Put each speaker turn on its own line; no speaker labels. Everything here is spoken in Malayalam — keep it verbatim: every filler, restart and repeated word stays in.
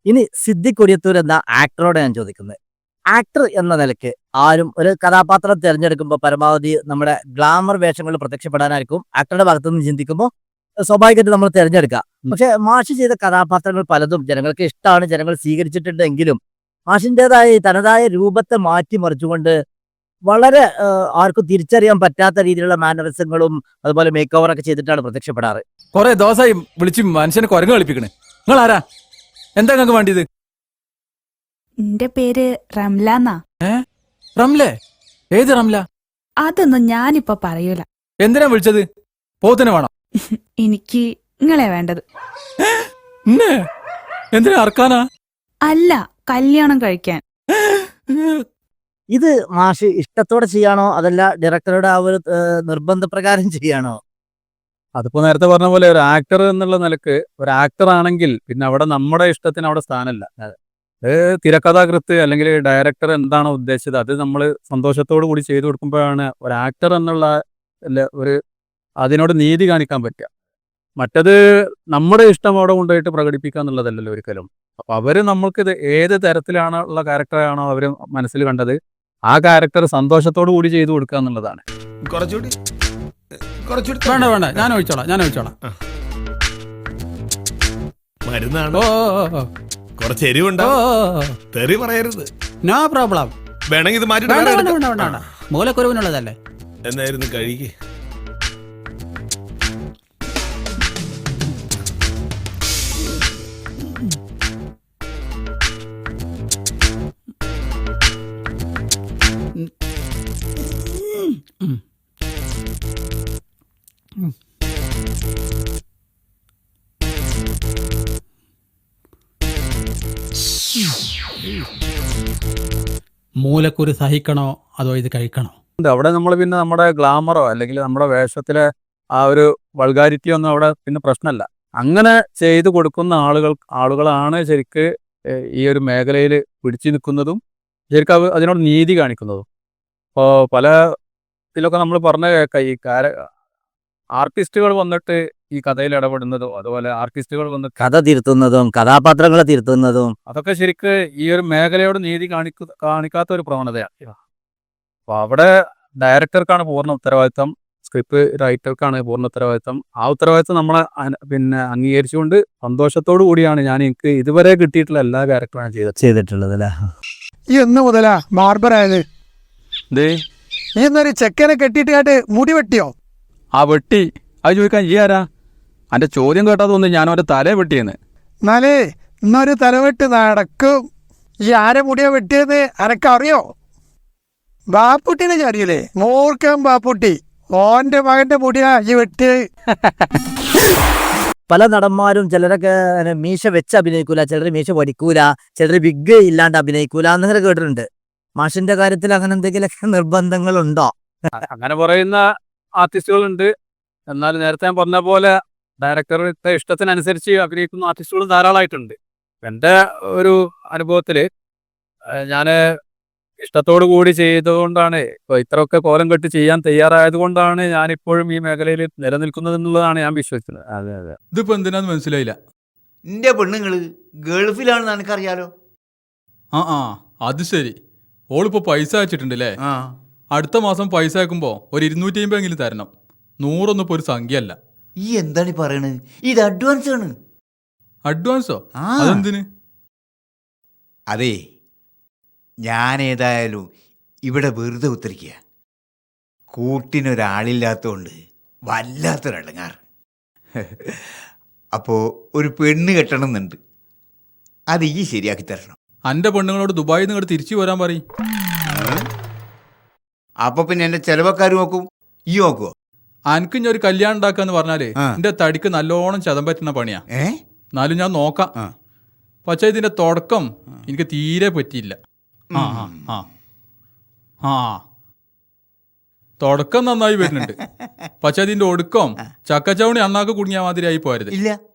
ഇനി സിദ്ദിഖ് കൊടിയത്തൂർ എന്ന ആക്ടറോടെ ഞാൻ ചോദിക്കുന്നത്, ആക്ടർ എന്ന നിലയ്ക്ക് ആരും ഒരു കഥാപാത്രം തിരഞ്ഞെടുക്കുമ്പോൾ പരമാവധി നമ്മുടെ ഗ്ലാമർ വേഷങ്ങളിൽ പ്രത്യക്ഷപ്പെടാനായിരിക്കും ആക്ടറുടെ ഭാഗത്തു നിന്ന് ചിന്തിക്കുമ്പോൾ സ്വാഭാവികമായിട്ട് നമ്മൾ തിരഞ്ഞെടുക്കുക. പക്ഷെ മാഷ് ചെയ്ത കഥാപാത്രങ്ങൾ പലതും ജനങ്ങൾക്ക് ഇഷ്ടമാണ്, ജനങ്ങൾ സ്വീകരിച്ചിട്ടുണ്ടെങ്കിലും മാഷിൻ്റെതായ തനതായ രൂപത്തെ മാറ്റിമറിച്ചുകൊണ്ട് വളരെ ആർക്കും തിരിച്ചറിയാൻ പറ്റാത്ത രീതിയിലുള്ള മാനറിസങ്ങളും അതുപോലെ മേക്ക് ഓവർ ഒക്കെ ചെയ്തിട്ടാണ് പ്രത്യക്ഷപ്പെടാറ്.
കുറെ ദിവസമായി വിളിച്ച് മനുഷ്യനെ കുരങ്ങ് കളിപ്പിക്കണേ. നിങ്ങൾ ആരാ? എന്താ നിങ്ങൾക്ക് വേണ്ടിയത്?
എന്റെ പേര് റംലാന്നാ.
ഏ റംലേ? ഏത് റംല?
അതൊന്നും ഞാനിപ്പോ പറയൂല.
എന്തിനാ വിളിച്ചത്? പോത്തിനെ വേണം?
എനിക്ക് നിങ്ങളെ വേണ്ടത്.
എന്തിനാ അറക്കാനാ?
അല്ല, കല്യാണം കഴിക്കാൻ.
ഇത് മാഷ് ഇഷ്ടത്തോടെ ചെയ്യാണോ അതല്ല ഡയറക്ടറുടെ ആ ഒരു നിർബന്ധപ്രകാരം ചെയ്യാണോ?
അതിപ്പോ നേരത്തെ പറഞ്ഞ പോലെ ഒരു ആക്ടർ എന്നുള്ള നിലക്ക് ഒരു ആക്ടർ ആണെങ്കിൽ പിന്നെ അവിടെ നമ്മുടെ ഇഷ്ടത്തിന് അവിടെ സ്ഥാനമല്ല. അത് തിരക്കഥാകൃത്ത് അല്ലെങ്കിൽ ഡയറക്ടർ എന്താണോ ഉദ്ദേശിച്ചത് അത് നമ്മൾ സന്തോഷത്തോടു കൂടി ചെയ്തു കൊടുക്കുമ്പോഴാണ് ഒരു ആക്ടർ എന്നുള്ള ഒരു അതിനോട് നീതി കാണിക്കാൻ പറ്റുക. മറ്റത് നമ്മുടെ ഇഷ്ടം അവിടെ കൊണ്ടുപോയിട്ട് പ്രകടിപ്പിക്കുക എന്നുള്ളതല്ലല്ലോ ഒരിക്കലും. അപ്പൊ അവര് നമ്മൾക്കിത് ഏത് തരത്തിലാണുള്ള ക്യാരക്ടറാണോ അവര് മനസ്സിൽ കണ്ടത് ആ ക്യാരക്ടർ സന്തോഷത്തോടു കൂടി ചെയ്തു കൊടുക്കുക എന്നുള്ളതാണ്.
കുറച്ചുകൂടി
വേണ്ട വേണ്ട, ഞാൻ ഒഴിച്ചോളാം ഞാൻ ഒഴിച്ചോളാം
മരുന്നാണോ? കുറച്ച് എരിവുണ്ടോ? തെറി പറയരുത്.
No problem.
വേണമെങ്കിൽ ഇത് മാറ്റി
മൂലക്കുരുവിനുള്ളതല്ലേ.
എന്നായിരുന്നു കഴിക്ക്.
മൂലക്കുരു സഹിക്കണോ അതോ ഇത് കഴിക്കണോ?
അവിടെ നമ്മൾ പിന്നെ നമ്മുടെ ഗ്ലാമറോ അല്ലെങ്കിൽ നമ്മുടെ വേഷത്തിലെ ആ ഒരു വൾഗാരിറ്റിയോ ഒന്നും അവിടെ പിന്നെ പ്രശ്നമല്ല. അങ്ങനെ ചെയ്തു കൊടുക്കുന്ന ആളുകൾ ആളുകളാണ് ശരിക്ക് ഈ ഒരു മേഖലയിൽ പിടിച്ചു നിൽക്കുന്നതും ശരിക്കും അവ അതിനോട് നീതി കാണിക്കുന്നതും. ഇപ്പോൾ പല ഇതിലൊക്കെ നമ്മൾ പറഞ്ഞ കേൾക്കാം, ഈ കാര ആർട്ടിസ്റ്റുകൾ വന്നിട്ട് ഈ കഥയിൽ ഇടപെടുന്നതും അതുപോലെ ആർട്ടിസ്റ്റുകൾ വന്ന്
കഥ തിരുത്തുന്നതും കഥാപാത്രങ്ങളെ തിരുത്തുന്നതും
അതൊക്കെ ശരിക്ക് ഈ ഒരു മേഖലയോട് നീതി കാണിക്കു കാണിക്കാത്ത ഒരു പ്രവണതയാണ്. അപ്പോൾ അവിടെ ഡയറക്ടർക്കാണ് പൂർണ്ണ ഉത്തരവാദിത്തം, സ്ക്രിപ്റ്റ് റൈറ്റർക്കാണ് പൂർണ്ണ ഉത്തരവാദിത്തം. ആ ഉത്തരവാദിത്തം നമ്മളെ പിന്നെ അംഗീകരിച്ചുകൊണ്ട് സന്തോഷത്തോടു കൂടിയാണ് ഞാൻ എനിക്ക് ഇതുവരെ കിട്ടിയിട്ടുള്ള എല്ലാ ക്യാരക്ടറും ചെയ്തത്
ചെയ്തിട്ടുള്ളത് അല്ലേ.
ഈ എന്ന് മുതലാ ബാർബറായത്?
ദേ
നീ എന്നൊരു ചെക്കനെ കെട്ടിയിട്ട് കാട്ട് മുടി വെട്ടിയോ?
ആ വെട്ടി. അത് ചോദിക്കാൻ ഈ ആരാ? എൻ്റെ ചോദ്യം കേട്ടാ തോന്നുന്നു ഞാൻ അവൻ്റെ തല വെട്ടിയെന്ന്.
എന്നാലേ ഇന്നൊരു തലവെട്ട് നടക്കും. ഈ ആരെ മുടിയാ വെട്ടിയത് അനക്കറിയോ? ബാപ്പുട്ടിനെ അറിയില്ലേ? മൂർഖൻ ബാപ്പുട്ടി. ഓന്റെ മകന്റെ മുടിയാ ഈ വെട്ടിയത്.
പല നടന്മാരും ചിലരൊക്കെ മീശ വെച്ച് അഭിനയിക്കൂല, ചിലർ മീശ പഠിക്കൂല, ചിലർ വിഗ് ഇല്ലാണ്ട് അഭിനയിക്കൂല എന്നൊക്കെ കേട്ടിട്ടുണ്ട്. മാഷിന്റെ കാര്യത്തിൽ അങ്ങനെ എന്തെങ്കിലുമൊക്കെ നിർബന്ധങ്ങളുണ്ടോ?
അങ്ങനെ പറയുന്ന ആർട്ടിസ്റ്റുകളുണ്ട്. എന്നാൽ നേരത്തെ ഞാൻ പറഞ്ഞ പോലെ ഡയറക്ടറുടെ ഇഷ്ടത്തിനനുസരിച്ച് അഭിനയിക്കുന്ന ആർട്ടിസ്റ്റുകളും ധാരാളമായിട്ടുണ്ട്. എൻ്റെ ഒരു അനുഭവത്തിൽ ഞാൻ ഇഷ്ടത്തോടു കൂടി ചെയ്തുകൊണ്ടാണ് ഇപ്പോൾ ഇത്രയൊക്കെ കോലം കെട്ടി ചെയ്യാൻ തയ്യാറായത് കൊണ്ടാണ് ഞാനിപ്പോഴും ഈ മേഖലയിൽ നിലനിൽക്കുന്നത് എന്നുള്ളതാണ് ഞാൻ വിശ്വസിക്കുന്നത്.
അതെ അതെ.
ഇതിപ്പോ എന്തിനാന്ന് മനസ്സിലായില്ല.
എന്റെ പെണ്ണുങ്ങള് ഗൾഫിലാണെന്ന് എനിക്കറിയാലോ.
ആ ആ അത് ശരി. ഓളിപ്പോ പൈസ അയച്ചിട്ടുണ്ടല്ലേ?
ആ
അടുത്ത മാസം പൈസ അയക്കുമ്പോ ഒരു ഇരുന്നൂറ്റി അമ്പത് എങ്കിലും തരണം. നൂറൊന്നും ഇപ്പൊ ഒരു സംഖ്യ അല്ല.
ഈ എന്താണ് ഈ പറയണത്? ഇത് അഡ്വാൻസ് ആണ്.
അഡ്വാൻസോ?
ആ
അതെന്തിന്?
അതെ, ഞാൻ ഏതായാലും ഇവിടെ വെറുതെ ഉത്തരിക്കുക. കൂട്ടിനൊരാളില്ലാത്തതുകൊണ്ട് വല്ലാത്തൊരടങ്ങാറ്. അപ്പോൾ ഒരു പെണ്ണ് കെട്ടണമെന്നുണ്ട്. അത് ഈ ശരിയാക്കി തരണം.
അന്റെ പെണ്ണുങ്ങളോട് ദുബായിൽ നിന്ന് തിരിച്ചു വരാൻ പറയും.
അപ്പൊ പിന്നെ എന്റെ ചെലവക്കാർ നോക്കും, ഈ നോക്കുവോ?
അനക്ക് ഞാൻ ഒരു കല്യാണം ഉണ്ടാക്കാന്ന് പറഞ്ഞാല് എന്റെ തടിക്ക് നല്ലോണം ചതം പറ്റുന്ന പണിയാ.
ഏ
എന്നാലും ഞാൻ നോക്കാം. പക്ഷെ ഇതിന്റെ തുടക്കം എനിക്ക് തീരെ പറ്റിയില്ല. ആ ആ ആ തുടക്കം നന്നായി വരുന്നുണ്ട്. പക്ഷെ അതിന്റെ ഒടുക്കം ചക്കച്ചവണി അണ്ണാക്ക് കുടുങ്ങിയ മാതിരി ആയി പോരുത്.
ഇല്ല.